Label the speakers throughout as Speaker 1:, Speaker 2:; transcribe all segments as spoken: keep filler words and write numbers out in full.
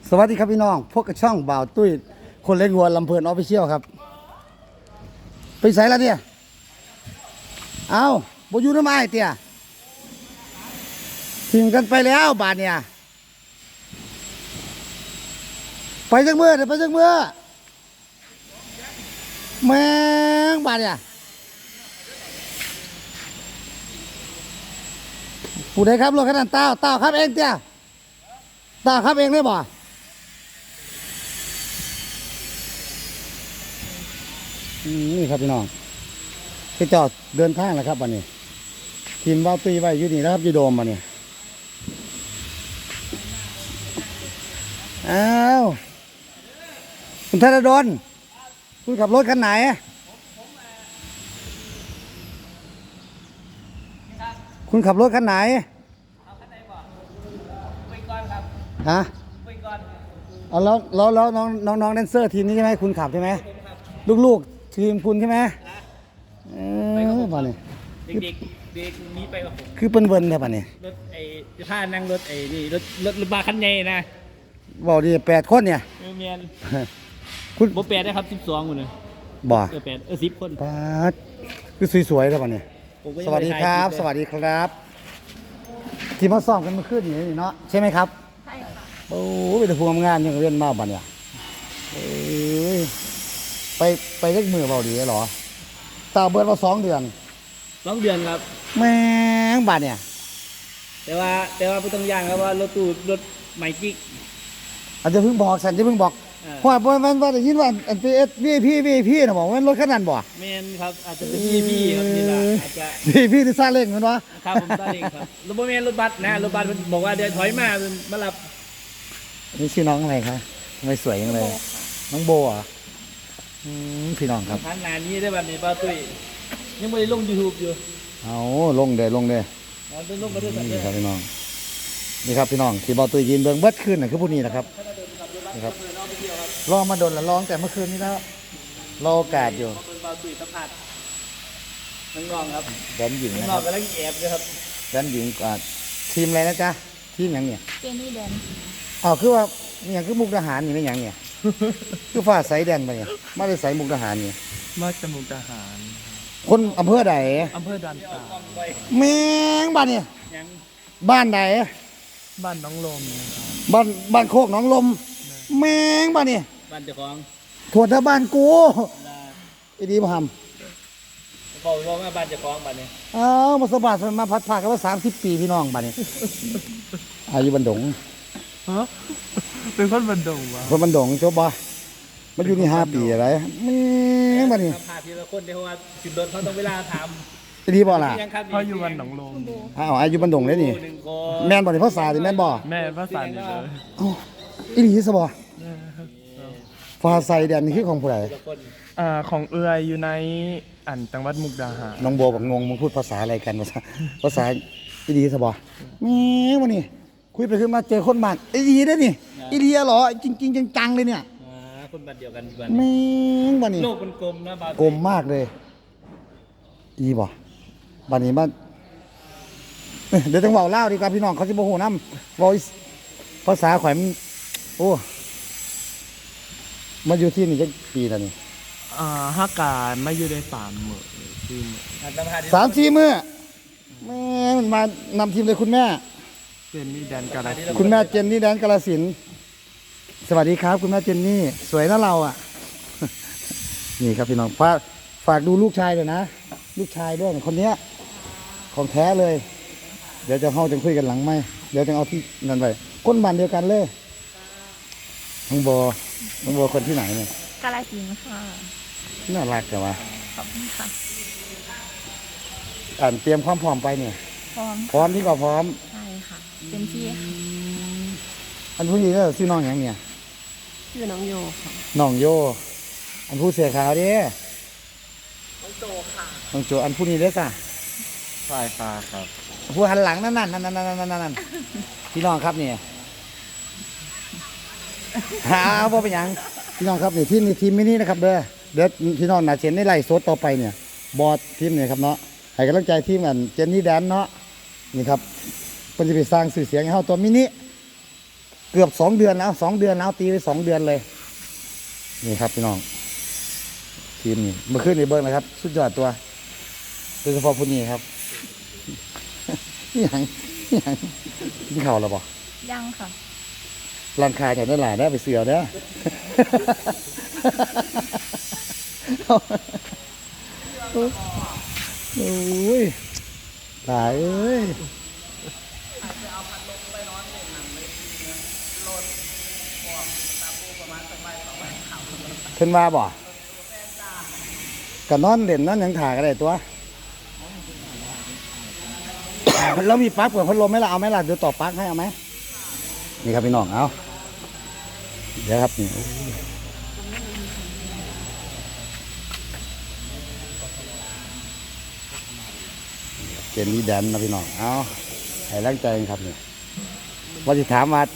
Speaker 1: สวัสดีครับพี่น้องพวกกระช่องบ่าวตุ้ยคนเล่นวัวลำเพลินออฟฟิเชียลครับไปใส่แล้วเนี่ยเอาบอยู่น้ำไม้เตี้ยทิ้งกันไปแล้วบาทเนี่ยไปจังเมื่อเดี๋ยวไปจังเมื่อแมงบาทเนี่ยผู้ใดครับรถขนาดเต้าเต้าครับเองเตี้ยเต้าครับเองได้บ่นี่ครับพี่น้องไปจอดเดินทางแล้วครับวันนี้ทีมว่าวตีไว้อยู่นี่นะครับยูโดมมาเนี่ยอ้าวคุณธนดลคุณขับรถคันไหนคุณขับรถคันไหนฮะเอาแล้วแล้วแล้วน้องน้องน้องแดนเซอร์ทีมนี้ใช่ไหมคุณขับใช่ไหมลูกๆทีมคุณใช่ไหมเออมาเนี่ย
Speaker 2: เด็กๆเด็กนี้ไปกับผม
Speaker 1: คือเป็นเวิร์นแค่ป่ะเนี่ย
Speaker 2: รถไอ้ผ้านั่งรถไอ้นี่รถรถรถบาคันใหญ่นะ
Speaker 1: บอกดีแปดคนเนี่ย
Speaker 2: เมียน
Speaker 1: คุณ
Speaker 2: โบแปดได้ครับสิบสองคนเลย
Speaker 1: บ่
Speaker 2: เออแปดเออสิบคน
Speaker 1: ปาดคือสวยๆแล้วป่ะเนี่ยสวัสดีครับสวัสดีครับที่มาซ้อมกันเมื่อคืนนี้เนาะใช่ไหมครับ
Speaker 3: ใช่ค่ะ
Speaker 1: โอ้ไปแต่พวงงานยังเรียนมาบ่เนี่ยเอ้ยไปไปเล็กมือเบาดีเหรอตาเบิร์ดมาสองเดือน
Speaker 2: สองเดือนครับ
Speaker 1: แม่งบาดเนี่ย
Speaker 2: แต่ว่าแต่ว่าไม่ต้องย่างครับว่ารถตู้รถใหม่กิ๊ก
Speaker 1: อาจจะเพิ่งบอกสันจะเพิ่งบอกเพราะว่ามันว่าได้ยินว่าอันพีเอสวีพีวีพีนะบอกว่ารถขนาดบ่
Speaker 2: เมนครับอาจจะเป็นวีพีครับนี่แหละอาจจะ
Speaker 1: วีพีที่ซาเล้งมันวะ
Speaker 2: ครับผมซาเล้งครับรถบัสเมนรถบัสนะรถบัสมันบอกว่าเดี๋ยวถอยมามารับ
Speaker 1: นี่ชื่อน้องอะไรคะทำไมสวยยังเลยน้องโบอ่ะพี่น้องครับ
Speaker 2: ทางงานนี้ได้แบบนี้ป้าตุ้ยยังไม่ได้ลงยูทูบอยู่
Speaker 1: เอาลงเด้ลงเด้นี่ครับพี่น้องนี่ครับพี่น้องที่บอตุยยินเบิ้งเบิดขึ้นน่ะคือผู้นี้นะครับนี่ครับลองมาโดนละลองแต่เมื่อคืนนี้แล้วรอโอกาสอยู่
Speaker 2: บอตุยสัมผัสน้องๆครับ
Speaker 1: แดนหญิงนะ
Speaker 2: ค
Speaker 1: รั
Speaker 2: บกำลังแอบเลยครับ
Speaker 1: แดนหญิงอ่าทีมอะไรนะจ๊ะทีมอย่างเนี่ย
Speaker 3: เจนี่แดน
Speaker 1: อ๋อคือว่าอย่างคือมุกทหารนี่ไม่อย่างเนี่ยคือฟ้าใสแดนไปเนี่ยไม่ได้ใสมุกทหารนี่
Speaker 2: มาจากมุกทหาร
Speaker 1: คนอำเภอใด
Speaker 2: อำเภอดันตา
Speaker 1: แมงบ้านเนี่ยบ้านไหน
Speaker 2: บ้านน้องลม
Speaker 1: บ้านบ้านโคกน้องลมแมงบ้านเนี่ย
Speaker 2: บ้านเจ้าของ
Speaker 1: ถั่วทบ้านกูอีดีมาท
Speaker 2: ำบอกว่าบ้านเจ้าของบ้านนี้
Speaker 1: อ้าวมาสบายมาพัดผ่ากันว่าสามสิบปีพี่น้องบ้านนี้อายุบันดง
Speaker 2: ฮะเป็นคนบันดงวะ
Speaker 1: คนบันดงจบบ่มันอยู่นี่ห้าปีอะไรแม่บ้านนี้
Speaker 2: พาทีละคนเดี๋ยวว่าจุดโดนเขาต้องเวลาทำ
Speaker 1: อีดีบ่ล่ะ
Speaker 2: เขาอยู่บ้านหนองลม
Speaker 1: อ้าวอายุบันดงเลยนี่แม่นบ่นี่ภาษาดิแม่นบ่
Speaker 2: แม่ภาษานี่เลย
Speaker 1: อีดีสบ่ฟ้าใสแดนนี่คือของผู้ใด
Speaker 2: อ่าของเอือยอยู่ในอันจังหวัดมุกดาหาร
Speaker 1: น้องโบกับงงมึงพูดภาษาอะไรกันภาษาภาษาอีดีสบ่แม่มานี่คุยไปคุยมาเจอคนบ้านอีดีได้นี่อีดีเหรอจริงๆจังๆเลยเนี่ย
Speaker 2: คนบ้านเดียวกัน
Speaker 1: แม่งบ้านนี้
Speaker 2: โลกมันกลมนะบ้าน
Speaker 1: กลมมากเลยอีบ่บ้านนี้บ้านเดี๋ยวต้องเว้าเล่าดีกว่าพี่น้องเขาสิบ่ฮู้นำเว้าภาษาข่อยมันโอ้มาอยู่ที่นี่จักปีแล้วนี่
Speaker 2: อ่าฮักการมาอยู่ได้สามมื้อสี่มื้อ
Speaker 1: สามสี่มื้อแม่มันมานำทีมเลยคุณแม่
Speaker 2: เจนนี่แดนกาฬสินธุ์
Speaker 1: คุณแม่เจนนี่แดนกาฬสินธุ์สวัสดีครับคุณแม่เจนนี่สวยนะเราอ่ะนี่ครับพี่น้องฝากฝากดูลูกชายเลยนะลูกชายด้วยคนเนี้ยของแท้เลยเดี๋ยวจะเข้าจะคุยกันหลังไหมเดี๋ยวจะเอาที่นั่นไปก้นบ้านเดียวกันเลยน้องโบน้องโบคนที่ไหนเนี่ย
Speaker 3: กาฬสินธุ์ค่ะ
Speaker 1: น่ารักจังวะ
Speaker 3: ขอบคุณค่ะ
Speaker 1: อ่านเตรียมความพร้อมไปเนี่ย
Speaker 3: พร้อม
Speaker 1: พร้อมที่ก็พร้อม
Speaker 3: ใช่ค่ะเต็มที่
Speaker 1: อันผู้หญิงก็ชื่อน้องอย่างเนี่ย
Speaker 3: ชื่อน้องโยค่ะ
Speaker 1: น้องโยอันผู้เสียขาวดิ
Speaker 3: น้องโจค่ะ
Speaker 1: น้องโจอันผู้นี้เด้อจ้ะ
Speaker 2: ฝ่ายฟ้าครับ
Speaker 1: ผู้หันหลังนั่นนั่นนั่นนั่นนั่นนั่นพี่น้องครับเนี่ยหาว่าเป็นยังพี่น้องครับนี่ทีมนี่ทีมมินินะครับเด้อเดี๋ยวพี่น้องน่าเชนในไล่โซดต่อไปเนี่ยบอสทีมเนี่ยครับเนาะให้กำลังใจทีมกันเจนนี่แดนเนาะนี่ครับเป็นจะไปสร้างสื่อเสียงให้เขาตัวมินิเกือบสองเดือนแล้วสองเดือนแล้วตีไปสองเดือนเลยนี่ครับพี่น้องทีมนี่เมื่อคืนในเบิ้งนะครับ สุดยอดตัวโดยเฉพาะผู้นี้ครับ นี่ยังนี่ยังนี่เขาหรอปะ
Speaker 3: ยังค่ะ
Speaker 1: ร้านค้าแถวนั้นหลายได้ไปเสือเด้อ โอ้ยตายเอ้ยขึ้นมาบ่ก็นอนเด่นนอนหยังถ่ายก็ได้ตัว แล้วมีปลั๊กเปิดพัดลมไหมล่ะเอาไหมล่ะเดี๋ยวต่อปลั๊กให้เอาไหมนี่ครับพี่น้องเอาเดี๋ยวครับนี่เกมนี้แดนนะพี่น้องเอาให้ร่างใจกันครับนี่ว่าจะถามว่า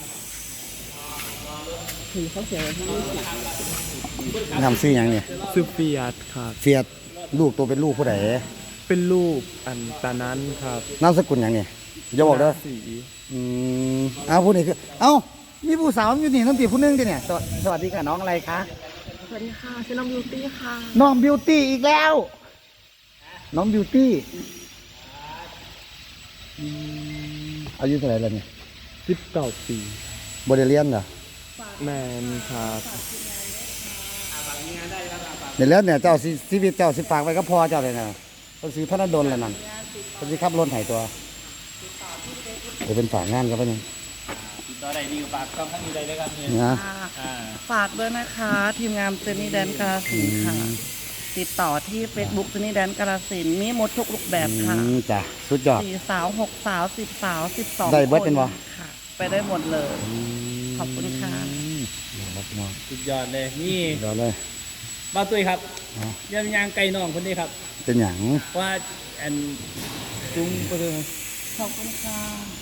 Speaker 3: ถือเขาเขียนไว้ที่
Speaker 1: ทำซื้อหยังเนี่ย
Speaker 4: ซื้อเฟียดครับ
Speaker 1: เฟียดลูกตัวเป็นลูกผู้ใด
Speaker 4: เป็นรูปอันตานั้นครับ
Speaker 1: นามสกุลหยังเนี่ยอย่าบอกเด้อ
Speaker 4: สี
Speaker 1: อืมเอาผู้นี้คือเอ้ามีผู้สาวอยู่นี่ต้องตีผู้หนึงดิเนี่ยสวสวัสดีค่ะน้องอะไรคะ
Speaker 3: สวัสดีค่ะชื่อน้องบิวตี้ค่ะ
Speaker 1: น้องบิวตี้อีกแล้ว น้องบิวตี้อืมอายุเท่าไหร่แล้วเนี่ย
Speaker 4: สิบเก้าปี
Speaker 1: บริเลียนเหรอ
Speaker 4: แมนครับ
Speaker 1: เดี๋ยวแล้วเนี่ยเจ้าสิชีวิตเจ้าสิฝากไว้ก็พอเจ้าเลยนะต้องซื้อพระนดลแล้วนั่นต้องซื้อขับรถไถตัวเดี๋ยวเป็นฝากงานกันไปนึง
Speaker 2: ติดต่อได้ดีกว่าปากต้องข้างนี้ได้เลยครับเนี่ย
Speaker 1: นะ
Speaker 2: อ่า
Speaker 3: ฝากด้วยนะคะ ทีมงานเจนนี่แดนกาลสินธุ์ค่ะ ติดต่อที่ Facebook เจนนี่แดนกาลสินธุ์มีหมดทุกรูปแบบค่ะ
Speaker 1: อืมจ้ะสุดยอด
Speaker 3: สี่สาวหกสาวสิบสาวสิบสอง
Speaker 1: ได้เบิดเป็นบ่
Speaker 3: ค่ะ ไปได้หมดเลย ขอบคุณค่ะ
Speaker 1: นี่ครับพี่น้อง
Speaker 2: สุดยอดเลยนี่
Speaker 1: สุดยอดเลย
Speaker 2: บ้าวตุ้ยครับ
Speaker 1: เอา
Speaker 2: ยำยางไก่น้องคนนี้ครับ
Speaker 1: เป็นอย่าง
Speaker 2: ว่าอันจุ้งก็คือ
Speaker 3: ขอบคุณค่ะ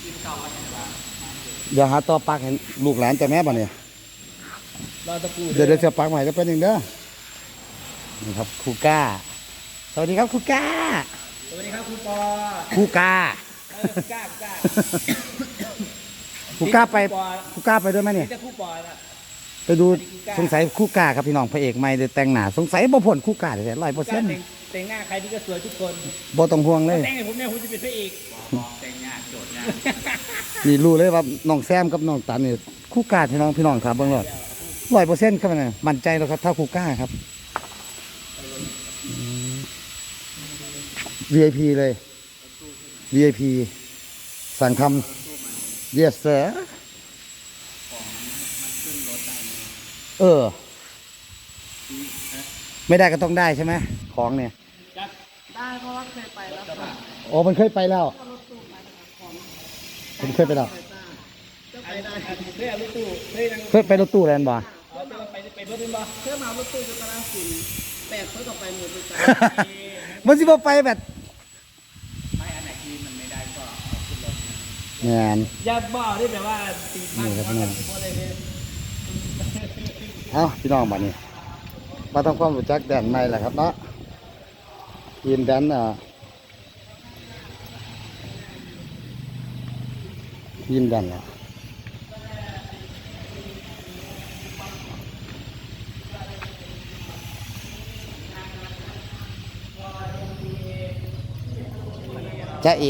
Speaker 1: เดี๋ยวหาต่อปลักให้ลูกหลานแต่แม่ป่ะเนี่ย
Speaker 2: รอตะปู
Speaker 1: เดี๋ยวเดี๋ยวจะปลักใหม่ก็เป็นหนึ่งเด้อนี่ครับครูก้า สวัสดีครับครูก้า
Speaker 2: สวัสดีครับครูปอ
Speaker 1: ครูก้า
Speaker 2: เออครูก้าครูก้า
Speaker 1: ครูก้าไป
Speaker 2: ครูปอ
Speaker 1: ครูก้าไปด้วยไหมเนี่ย
Speaker 2: นี่จะครูปอนะ
Speaker 1: ไปดูสงสัยคู่กาครับพี่น้องพระเอกใหม่ได้แต่งหน้าสงสัยบ่พ้นคู่กาเลยร้อยเปอร์
Speaker 2: กา
Speaker 1: เซ็น
Speaker 2: ร
Speaker 1: ต์
Speaker 2: แต่งแต่งหน้าใครที่ก็สวยทุกคน
Speaker 1: บ่ต้องห่วงเลย
Speaker 2: แต่งให้ผมเนี่ยผมจะเป็นพระเอกแต่งหน้าโจทย์งาน
Speaker 1: นี่รู้เลยว่าน้องแซมกับน้องตันนี่คู่กาพี่น้องพี่น้องครับเบิ่งรอดร้อยเปอร์เซ็นต์ครับนะมั่นใจแล้วครับถ้าคู่กาครับอืม วี ไอ พี เลย วี ไอ พี สั่งทำ yes sir เออ ไม่ได้ก็ต้องได้ใช่ไหมของเนี่ย
Speaker 3: ได้เพราะว่าเคยไปแล้วค่ะ
Speaker 1: โอ้มันเคยไปแล้วมันเคยไปแล้ว
Speaker 2: เฮ้ยเอารถตู้เฮ้ยนั่ง
Speaker 1: เคยไปรถตู้แลนด์บ่
Speaker 2: เอาไปไปรถตู้บ่
Speaker 3: เพื่อมารถตู้จุฬาศิลป์แปดเพื่อต่อไปหมดเลยจ้า
Speaker 1: มันสิบ่ไปแบบ
Speaker 2: ไม่อันไหนที่มันไม่ได้ก็ขึ้นรถ
Speaker 1: งาน
Speaker 2: อย่าบ้าได้แบบว่าตีพัน
Speaker 1: นี่ครับพี่น้อง
Speaker 2: เพราะอะไรเนี่ย
Speaker 1: เอ้าพี่น้องบัดนี้มาทำความรู้จักแดนใหม่แหละครับเนาะทีมแดนอ่ะทีมแดนอ่ะจ๊ะเอ๋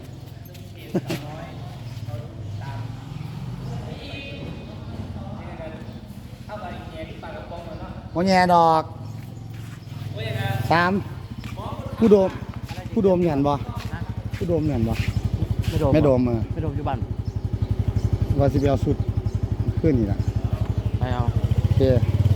Speaker 1: โมแย่ดอกสามผู้โดมผู้โดมเห็นบ่ผู้โดมเห็นบ่
Speaker 4: ไม่โดม
Speaker 1: ไม่โดมเออ
Speaker 4: ไม่โดมอยู่บ้าน
Speaker 1: ว่าสิไปเอาสุดขึ้นนี่แหละ
Speaker 4: ไปเอา
Speaker 1: โอเค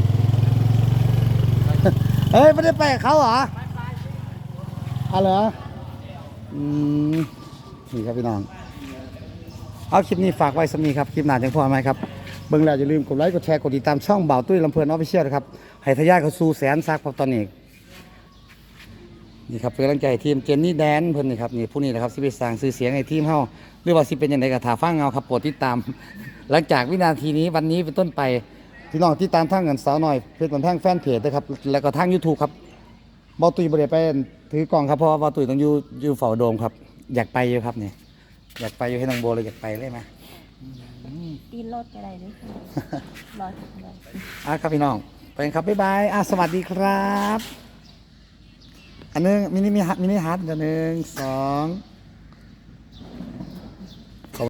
Speaker 1: เฮ้ยไม่ได้ไปกับเขาเหรออ๋อเหรออืมนี่ครับพี่น้องเอาคลิปนี้ฝากไว้สำนีครับคลิปหน้าจังพอไหมครับเบิ่งแล้วอย่าลืมกดไลค์กดแชร์กดติดตามช่องเบาตุ้ยลำเพลินออฟฟิเชียลนะครับให้ทะยานเข้าสู่แสนซักพอตอนนี้นี่ครับเป็นกำลังใจให้ทีมเจนนี่แดนเพิ่นนี่ครับนี่ผู้นี้นะครับสิไปสร้างชื่อเสียงให้ทีมเฮาหรือว่าสิเป็นยังไงก็ถ่าฟังเงาครับโปรดติดตาม หลังจากวินาทีนี้วันนี้เป็นต้นไปพี่น้องที่ตามทางเงินสาวหน่อยเพจบันแท่งแฟนเพจด้วยครับแล้วก็ทาง YouTube ครับเบาตุ้ยบ่ได้ไปถือกล่องครับเพราะว่าเบาตุ้ยต้องอยู่อยู่เฝ้าโดมครับอยากไปอยู่ครับนี่อยากไปอยู่ให้น้องโบเลยอยากไปเลยไหมอืม
Speaker 5: ตีนรถอะไรด้วยค่ะรอถึงเลย
Speaker 1: อ่ะครับพี่น้องไปกันครับบ๊ายบายอ่ะสวัสดีครับ อันนึงมินิมิฮัทมินิฮัทอันหนึ่งสอง